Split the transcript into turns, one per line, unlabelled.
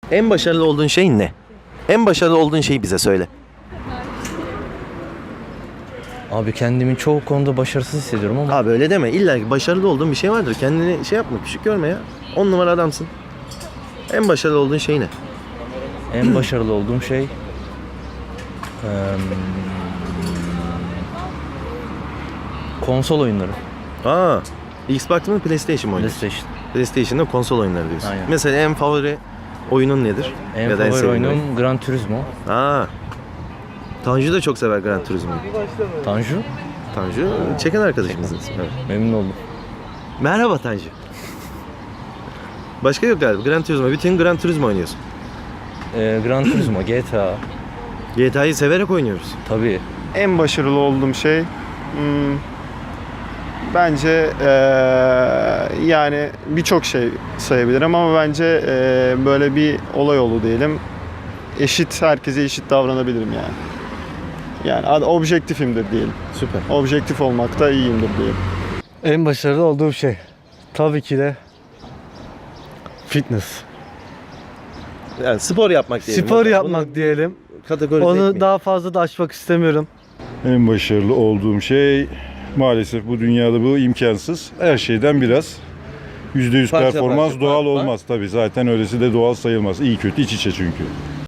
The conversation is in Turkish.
En başarılı olduğun şey ne? En başarılı olduğun şeyi bize söyle.
Abi kendimi çoğu konuda başarısız hissediyorum ama
Abi öyle deme. İlla ki başarılı olduğun bir şey vardır. Kendini şey yapma, küçük görme ya. 10 numara adamsın. En başarılı olduğun şey ne?
en başarılı olduğum şey konsol oyunları.
Aa, Xbox mı PlayStation mı oynuyorsun?
PlayStation.
PlayStation'da konsol oyunları diyorsun.
Aynen.
Mesela en favori oyunun nedir?
En
Ya da
favori
sevdiğin
oyunum Gran Turismo.
oyun? Aa. Tanju da çok sever Gran Turismo'yu.
Tanju.
Tanju çeken arkadaşımızın ismi. Evet.
Memnun oldum.
Merhaba Tanju. Başka yok galiba. Gran Turismo. Bütün Gran Turismo oynuyorsun.
Gran Turismo, GTA.
GTA'yı severek oynuyoruz.
Tabii.
En başarılı olduğum şey bence yani birçok şey sayabilirim ama bence böyle bir olay oldu diyelim. Herkese eşit davranabilirim yani. Yani objektifimdir diyelim.
Süper.
Objektif olmakta iyiyimdir diyelim.
En başarılı olduğum şey tabii ki de fitness.
Yani spor yapmak diyelim.
Spor
Bunu
yapmak diyelim.
kategorize
Onu
etmeyelim.
daha fazla da açmak istemiyorum.
En başarılı olduğum şey maalesef bu dünyada bu imkansız. Her şeyden biraz. %100
Parça
performans
parça,
doğal
part part.
olmaz tabii. Zaten öylesi de doğal sayılmaz. İyi kötü iç içe çünkü.